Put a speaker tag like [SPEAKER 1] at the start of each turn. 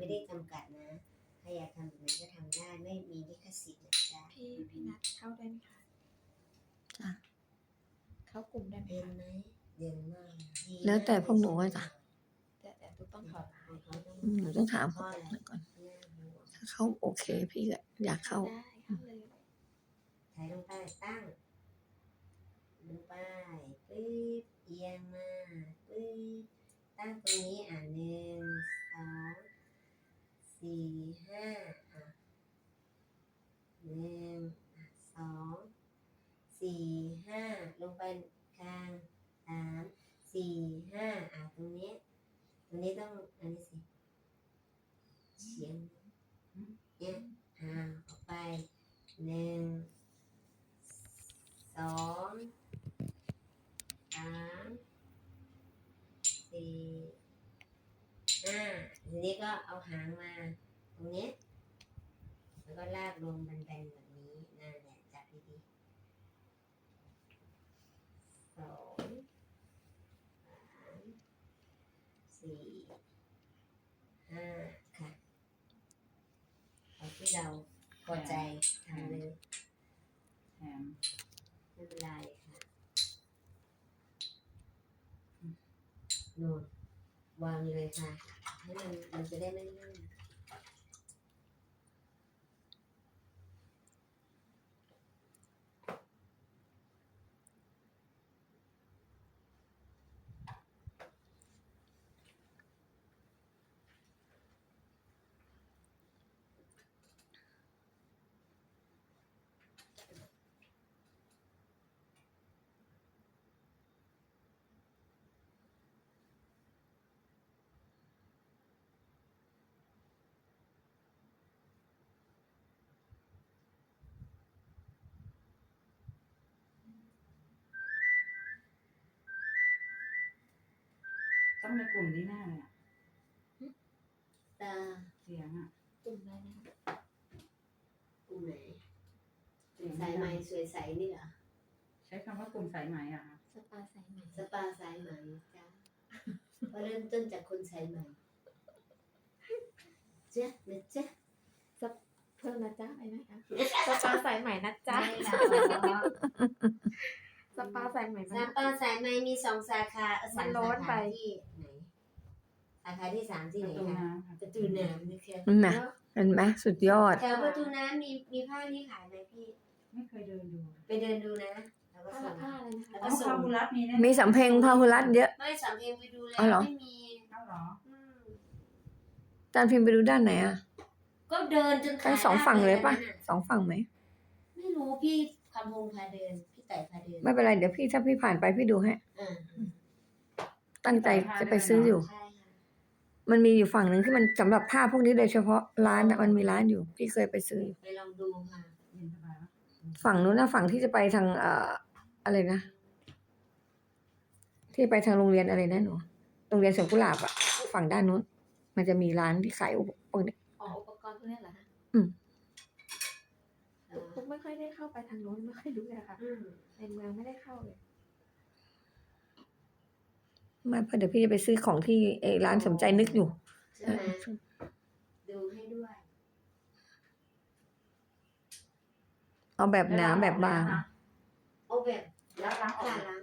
[SPEAKER 1] ไม่ได้จำกัดนะใครอยากทำแบบไหนก็ทำได้ไม่มีลิขสิทธิ์นะจ๊ะ
[SPEAKER 2] พี่นัดเข้าได้ไหมคะ
[SPEAKER 3] จ้ะ
[SPEAKER 2] เข้ากลุ่มได้ไหม
[SPEAKER 1] เย็น
[SPEAKER 2] คะ
[SPEAKER 1] ไหมเย็นมากดี
[SPEAKER 3] แล้วแต่พวกหนูว่าจ้ะ
[SPEAKER 2] แต่ตุ๊กต้องถอดรหัส
[SPEAKER 1] เขาต้อง
[SPEAKER 3] หนูต้องถาม
[SPEAKER 1] ข้ออะไร
[SPEAKER 3] ก่อน
[SPEAKER 1] น่าห่วง
[SPEAKER 3] ถ้าเขาโอเคพี่ก็อยากเข้า
[SPEAKER 2] ได้เข้าเลย
[SPEAKER 1] ถ่ายลงไปตั้งลงไปปึ๊บเอียงมาปึ๊บตั้งตรงนี้1 2 4 51 2 4 5ลงไปกลาง3 4 5ตรงนี้ต้องอันนี้สิเฉียงเนี่ยออกไป1 2 3 4 5ทีนี้ก็เอาหางมาตรงนี้แล้วก็ลากลงแบนๆแบบนี้นั่นแหละจับดีๆ2 3 4 5ค่ะเอาที่เราพอใจทำเลยไม่เป็นไรค่ะโน่นวางเลยค่ะให้มันจะได้ไม่ลื่น
[SPEAKER 4] ต้องในกลุ่มนี้แน่เลยอ่ะ
[SPEAKER 1] ตา
[SPEAKER 4] เสียงอ่ะ
[SPEAKER 2] กลุ่มได้นะคะ
[SPEAKER 1] กลุ่มไหน
[SPEAKER 4] เสียง
[SPEAKER 1] สายไหมสวยใสนี่เหรอ
[SPEAKER 4] ใช้คำว่ากลุ่มสายไหมอ่ะค่ะ
[SPEAKER 2] สปาสายไหม
[SPEAKER 1] สปาสายไหมจ้าก็เริ่มต้นจากคนสายไหมเจ๊นะเจ๊
[SPEAKER 2] เพิ่มนะจ๊ะไปไหมคะสปาสายไหมนะจ๊ะ
[SPEAKER 1] ใช่ค่ะ
[SPEAKER 2] สปาสายไหม
[SPEAKER 1] สปาสายไหมมี2 สาขา
[SPEAKER 2] มันโล้นไป
[SPEAKER 1] ที่ไหนสาขาที่ 3 ที่
[SPEAKER 4] ป
[SPEAKER 1] ไหน
[SPEAKER 4] ระตู
[SPEAKER 1] คะ
[SPEAKER 4] น้ำค่ะ
[SPEAKER 1] ประตูน้ำนะคะ
[SPEAKER 3] เห็นไหมเห็นไหมสุดยอด
[SPEAKER 1] แถวประตูน้ำมีผ้านี่ขายไหมพี่
[SPEAKER 4] ไม่เคยเดินดู
[SPEAKER 1] ไปเดินดูนะแล้วก็
[SPEAKER 2] ผ้า
[SPEAKER 1] ส่ง
[SPEAKER 2] ผ้าอะไรนะคะ
[SPEAKER 1] แล้ว
[SPEAKER 4] อ๋
[SPEAKER 1] ก็
[SPEAKER 4] อ
[SPEAKER 1] ส่
[SPEAKER 4] พาง หุรัตมีแน่
[SPEAKER 3] มีสำเพ็งพาหุรัตเยอะ
[SPEAKER 1] ไม่สำเพ็งไปดูแล้
[SPEAKER 3] อ๋อเหร
[SPEAKER 1] ว
[SPEAKER 3] อ
[SPEAKER 1] ไม่มี
[SPEAKER 4] เอ้าเหรอ
[SPEAKER 1] อืม
[SPEAKER 3] จานพิมพ์ไปดูด้านไหนอ่ะ
[SPEAKER 1] ก็เดินจนขา
[SPEAKER 3] ทั้งสองฝั่งเลยปะ
[SPEAKER 1] ด้านนั้นน่
[SPEAKER 3] สองฝั่งไหม
[SPEAKER 1] ไม่รู้พี่คำพงพาเดินพี่ไต่พาเดิน
[SPEAKER 3] ไม่เป็นไรเดี๋ยวพี่ถ้าพี่ผ่านไปพี่ดูให้
[SPEAKER 1] อ่า
[SPEAKER 3] ตั้งใจจะไปซื้ออยู่
[SPEAKER 1] ใช่ค่ะ
[SPEAKER 3] มันมีอยู่ฝั่งหนึ่งที่มันสำหรับผ้าพวกนี้โดยเฉพาะร้านน่ะมันมีร้านอยู่ พี่เคยไปซื้ออยู่
[SPEAKER 1] ไปลองดูค่ะ
[SPEAKER 4] เย็นสบายปะ
[SPEAKER 3] ฝั่งนู้นนะฝั่งที่จะไปทางอะไรนะที่ไปทางโรงเรียนอะไรนะหนูโรงเรียนสวนกุหลาบอ่ะฝั่งด้านนู้น มันจะมีร้านที่ขายอุปกรณ์
[SPEAKER 2] อ๋ออุปกรณ์พวกนี้เหรอคะ
[SPEAKER 3] อืม
[SPEAKER 2] ตุ๊กไม่ค่อยได้เข้าไปทางโน้นไม่ค่อยรู้เลยค่ะ
[SPEAKER 1] อืม
[SPEAKER 2] ในเมืองไม่ได้เข้าเลย
[SPEAKER 3] ไมาเพราะเดี๋ยวพี่จะไปซื้อของที่ร้านสมใจนึกอยู่
[SPEAKER 1] ใช่ไหมดูให้ด้วย
[SPEAKER 3] เอาแบบหนาแบบบาง
[SPEAKER 1] เอาแบบ
[SPEAKER 4] แล้วล้างออก
[SPEAKER 1] ค่ะล้าง